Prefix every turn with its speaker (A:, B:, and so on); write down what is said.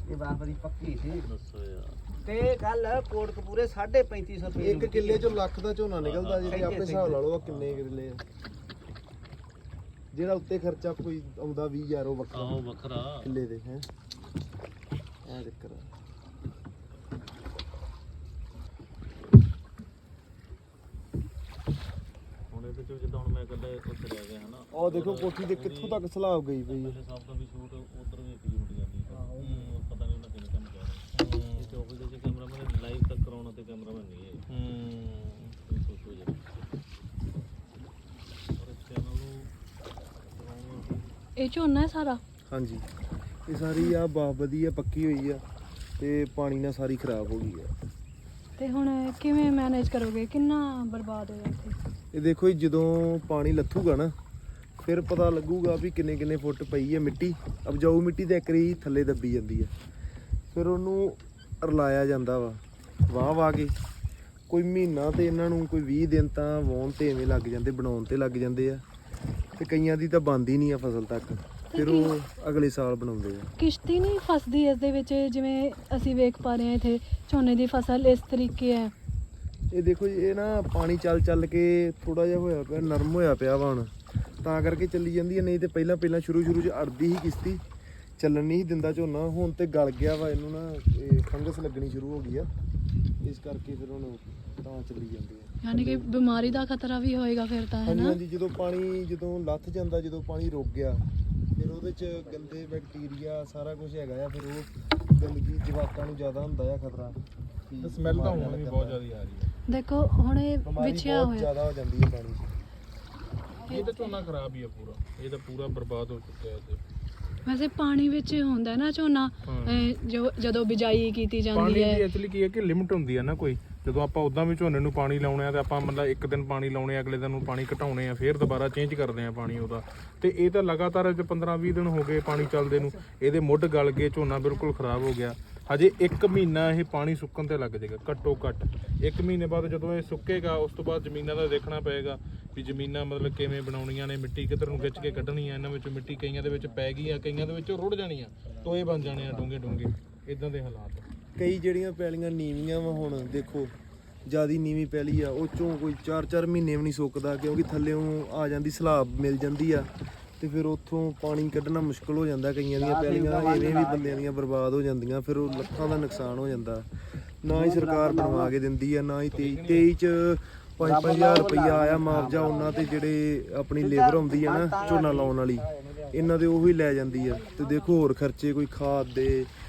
A: ਇਹ ਬਾਬਰੀ ਪੱਕੀ ਸੀ।
B: ਦੱਸੋ ਯਾਰ
A: ਤੇ ਕੱਲ ਕੋਟਕਪੂਰੇ 3550 ਰੁਪਏ
C: ਇੱਕ ਕਿੱਲੇ ਚੋਂ ਲੱਖ ਦਾ ਝੋਨਾ ਨਿਕਲਦਾ ਜੀ, ਤੇ ਆਪੇ ਹਿਸਾਬ ਲਾ ਲਓ ਆ ਕਿੰਨੇ ਕਿੱਲੇ ਆ। ਜਿਹੜਾ ਉੱਤੇ ਖਰਚਾ ਕੋਈ ਆਉਂਦਾ 20000 ਉਹ ਵੱਖਰਾ
B: ਆਹੋ ਵੱਖਰਾ
C: ਕਿੱਲੇ ਦੇ ਹੈ ਆ ਚੱਕਰ ਆ।
B: ਹੁਣ ਇਹਦੇ ਚ ਜਿੱਦਾਂ ਹੁਣ ਮੈਂ ਕੱਲੇ ਉੱਥੇ ਰਹਿ ਗਿਆ ਹਨਾ
C: ਉਹ ਦੇਖੋ ਕੋਠੀ ਦੇ ਕਿੱਥੋਂ ਤੱਕ ਸਲਾਬ ਗਈ ਪਈ ਹੈ।
B: ਮੇਰੇ ਸਾਹਿਬ ਦਾ ਵੀ ਸ਼ੂਟ ਉਧਰ ਵੀ ਇੱਕ ਜੁੜ ਜਾਂਦੀ ਪਤਾ ਨਹੀਂ ਉਹਨਾਂ ਕਿੰਨੇ ਕੰਮ ਕਰ ਰਹੇ ਇਹ ਚੌਕ ਦੇ ਕੈਮਰਾਮੈਨ ਲਾਈਵ ਤੱਕ ਕਰਾਉਣਾ ਤੇ ਕੈਮਰਾਮੈਨ ਨਹੀਂ ਹੈ ਇਹ ਸੋਚੋ ਜੀ ਔਰ ਚੈਨਲ ਨੂੰ ਚਲਾਉਣਾ
D: ਇਹ ਝੋਨਾ ਹੈ ਸਾਰਾ।
C: ਹਾਂਜੀ ਇਹ ਸਾਰੀ ਆ ਬਾਹ ਵਧੀਆ ਪੱਕੀ ਹੋਈ ਆ ਤੇ ਪਾਣੀ ਨਾਲ ਸਾਰੀ ਖਰਾਬ ਹੋ ਗਈ ਆ।
D: ਤੇ ਹੁਣ ਕਿਵੇਂ ਮੈਨੇਜ ਕਰੋਗੇ, ਕਿੰਨਾ ਬਰਬਾਦ ਹੋਇਆ ਇੱਥੇ?
C: ਇਹ ਦੇਖੋ ਜੀ ਜਦੋਂ ਪਾਣੀ ਲੱਥੂਗਾ ਨਾ ਫਿਰ ਪਤਾ ਲੱਗੂਗਾ ਵੀ ਕਿੰਨੇ ਕਿੰਨੇ ਫੁੱਟ ਪਈ ਹੈ ਮਿੱਟੀ। ਉਪਜਾਊ ਮਿੱਟੀ ਤੇ ਇੱਕਰੀ ਥੱਲੇ ਦੱਬੀ ਜਾਂਦੀ ਹੈ, ਫਿਰ ਉਹਨੂੰ ਰਲਾਇਆ ਜਾਂਦਾ ਵਾ ਵਾਹ ਕੇ। ਕੋਈ ਮਹੀਨਾ ਤੇ ਇਹਨਾਂ ਨੂੰ ਕੋਈ 20 ਦਿਨ ਤਾਂ ਵਾਹੁਣ ਤੇ ਐਵੇਂ ਲੱਗ ਜਾਂਦੇ, ਬਣਾਉਣ ਤੇ ਲੱਗ ਜਾਂਦੇ ਆ, ਤੇ ਕਈਆਂ ਦੀ ਤਾਂ ਬਣਦੀ ਨਹੀਂ ਆ ਫਸਲ ਤੱਕ, ਫਿਰ ਉਹ ਅਗਲੇ ਸਾਲ ਬਣਾਉਂਦੇ ਆ।
D: ਕਿਸ਼ਤੀ ਨਹੀਂ ਫਸਦੀ ਇਸ ਦੇ ਵਿੱਚ, ਜਿਵੇਂ ਅਸੀਂ ਵੇਖ ਪਾ ਰਹੇ ਹਾਂ ਇੱਥੇ ਝੋਨੇ ਦੀ ਫਸਲ ਇਸ ਤਰੀਕੇ ਹੈ।
C: ਇਹ ਦੇਖੋ ਜੀ ਇਹ ਨਾ ਪਾਣੀ ਚੱਲ ਚੱਲ ਕੇ ਥੋੜਾ ਜਿਹਾ ਹੋਇਆ ਪਿਆ, ਨਰਮ ਹੋਇਆ ਪਿਆ ਵਾ ਹੁਣ, ਤਾਂ ਕਰਕੇ ਚੱਲੀ ਜਾਂਦੀ ਹੈ। ਨਹੀਂ ਤੇ ਪਹਿਲਾਂ ਸ਼ੁਰੂ 'ਚ ਅੜਦੀ ਸੀ ਕਿਸ਼ਤੀ, ਚੱਲਣ ਨਹੀਂ ਸੀ ਦਿੰਦਾ ਝੋਨਾ। ਹੁਣ ਤੇ ਗਲ ਗਿਆ ਵਾ, ਇਹਨੂੰ ਨਾ ਇਹ ਫੰਗਸ ਲੱਗਣੀ ਸ਼ੁਰੂ ਹੋ ਗਈ ਆ, ਇਸ ਕਰਕੇ ਫਿਰ ਹੁਣ ਤਾਂ ਚੱਲੀ ਜਾਂਦੀ ਹੈ।
D: ਯਾਨੀ ਕਿ ਬਿਮਾਰੀ ਦਾ ਖਤਰਾ ਵੀ ਹੋਏਗਾ ਫਿਰ ਤਾਂ, ਹੈ
C: ਹਾਂਜੀ
D: ਨਾ?
C: ਹਾਂਜੀ ਜਦੋਂ ਲੱਥ ਜਾਂਦਾ, ਜਦੋਂ ਪਾਣੀ ਰੁਕ ਗਿਆ, ਫਿਰ ਉਹਦੇ 'ਚ ਗੰਦੇ ਬੈਕਟੀਰੀਆ ਸਾਰਾ ਕੁਝ ਹੈਗਾ ਆ, ਫਿਰ ਉਹ ਗੰਦਗੀ ਜਵਾਕਾਂ ਨੂੰ ਜ਼ਿਆਦਾ ਹੁੰਦਾ ਆ ਖਤਰਾ।
E: ਸਮੈਲ ਤਾਂ ਹੁਣ ਵੀ ਬਹੁਤ ਜ਼ਿਆਦਾ ਆ ਰਹੀ ਹੈ।
D: ਦੇਖੋ ਹੁਣ ਇਹ
C: ਬਿਮਾਰੀ
D: ਵਿਛਿਆ
C: ਬਹੁਤ
D: ਹੋਇਆ।
C: ਜ਼ਿਆਦਾ ਹੋ ਜਾਂਦੀ ਹੈ ਪਾਣੀ 'ਚ।
E: ਇਹ ਤਾਂ ਝੋਨਾ ਖਰਾਬ ਹੀ ਆ ਪੂਰਾ, ਇਹ ਤਾਂ ਪੂਰਾ ਬਰਬਾਦ ਹੋ ਚੁੱਕਿਆ ਹੈ।
D: ਵੈਸੇ ਪਾਣੀ ਵਿੱਚ ਹੁੰਦਾ ਨਾ ਝੋਨਾ, ਜਦੋਂ ਬਿਜਾਈ ਕੀਤੀ
E: ਪਾਣੀ
D: ਜਾਂਦੀ
E: ਦੀ
D: ਹੈ।
E: ਐਕਚੁਅਲੀ ਕੀ ਹੈ ਕਿ ਲਿਮਟ ਹੁੰਦੀ ਹੈ ਨਾ ਕੋਈ। ਜਦੋਂ ਆਪਾਂ ਉਦਾਂ ਵੀ ਝੋਨੇ ਨੂੰ ਪਾਣੀ ਲਾਉਣੇ ਆ ਤੇ ਆਪਾਂ ਮਤਲਬ ਇੱਕ ਦਿਨ ਪਾਣੀ ਲਾਉਣੇ ਆ, ਅਗਲੇ ਦਿਨ ਨੂੰ ਪਾਣੀ ਘਟਾਉਣੇ ਆ, ਫਿਰ ਦੁਬਾਰਾ ਚੇਂਜ ਕਰਦੇ ਆ ਪਾਣੀ ਉਹਦਾ। ਤੇ ਇਹ ਤਾਂ ਲਗਾਤਾਰ 15-20 ਦਿਨ ਹੋ ਗਏ ਪਾਣੀ ਚੱਲਦੇ ਨੂੰ, ਇਹਦੇ ਮੁੱਢ ਗਲ ਗਏ, ਝੋਨਾ ਬਿਲਕੁਲ ਖਰਾਬ ਹੋ ਗਿਆ। ਹਜੇ 1 ਮਹੀਨਾ ਇਹ ਪਾਣੀ ਸੁੱਕਣ ਤੇ ਲੱਗ ਜਾਏਗਾ ਘੱਟੋ ਘੱਟ। 1 ਮਹੀਨੇ ਬਾਅਦ ਜਦੋਂ ਇਹ ਸੁੱਕੇਗਾ, ਉਸ ਤੋਂ ਬਾਅਦ ਜ਼ਮੀਨਾਂ ਦਾ ਦੇਖਣਾ ਪਏਗਾ ਵੀ ਜ਼ਮੀਨਾਂ ਮਤਲਬ ਕਿਵੇਂ ਬਣਾਉਣੀਆਂ ਨੇ, ਮਿੱਟੀ ਕਿੱਧਰ ਨੂੰ ਖਿੱਚ ਕੇ ਕੱਢਣੀ ਆ। ਇਹਨਾਂ ਵਿੱਚੋਂ ਮਿੱਟੀ ਕਈਆਂ ਦੇ ਵਿੱਚ ਪੈ ਗਈ ਆ, ਕਈਆਂ ਦੇ ਵਿੱਚ ਰੁੜ ਜਾਣੀ ਆ, ਟੋਏ ਬਣ ਜਾਣੇ ਆ ਡੂੰਘੇ ਇਦਾਂ ਦੇ ਹਾਲਾਤ।
C: ਕਈ ਜਿਹੜੀਆਂ ਪੈਲੀਆਂ ਨੀਵੀਆਂ ਵਾ, ਹੁਣ ਦੇਖੋ ਜਿਆਦੀ ਨੀਵੀਂ ਪੈਲੀ ਆ, ਉਹ ਚੋਂ ਕੋਈ 4-4 ਮਹੀਨੇ ਵੀ ਨਹੀਂ ਸੁੱਕਦਾ, ਕਿਉਂਕਿ ਥੱਲੇੋਂ ਆ ਜਾਂਦੀ ਸਲਾਬ ਮਿਲ ਜਾਂਦੀ ਆ, ਤੇ ਫਿਰ ਉੱਥੋਂ ਪਾਣੀ ਕੱਢਣਾ ਮੁਸ਼ਕਲ ਹੋ ਜਾਂਦਾ। ਕਈਆਂ ਦੀਆਂ ਪੈਲੀਆਂ ਐਵੇਂ ਵੀ ਬੰਦਿਆਂ ਦੀਆਂ ਬਰਬਾਦ ਹੋ ਜਾਂਦੀਆਂ, ਫਿਰ ਉਹ ਲੱਖਾਂ ਦਾ ਨੁਕਸਾਨ ਹੋ ਜਾਂਦਾ। ਨਾ ਹੀ ਸਰਕਾਰ ਬਣਵਾ ਕੇ ਦਿੰਦੀ ਆ, ਨਾ ਹੀ 23 ਚ 5-5000 ਰੁਪਈਆ ਆਇਆ ਮੁਆਵਜ਼ਾ ਉਹਨਾਂ ਤੇ ਜਿਹੜੇ ਆਪਣੀ ਲੇਬਰ ਆਉਂਦੀ ਆ ਨਾ ਝੋਨਾ ਲਾਉਣ ਵਾਲੀ, ਇਹਨਾਂ ਦੇ ਉਹੀ ਲੈ ਜਾਂਦੀ ਆ। ਤੇ ਦੇਖੋ ਹੋਰ ਖਰਚੇ ਕੋਈ ਖਾਦ ਦੇ,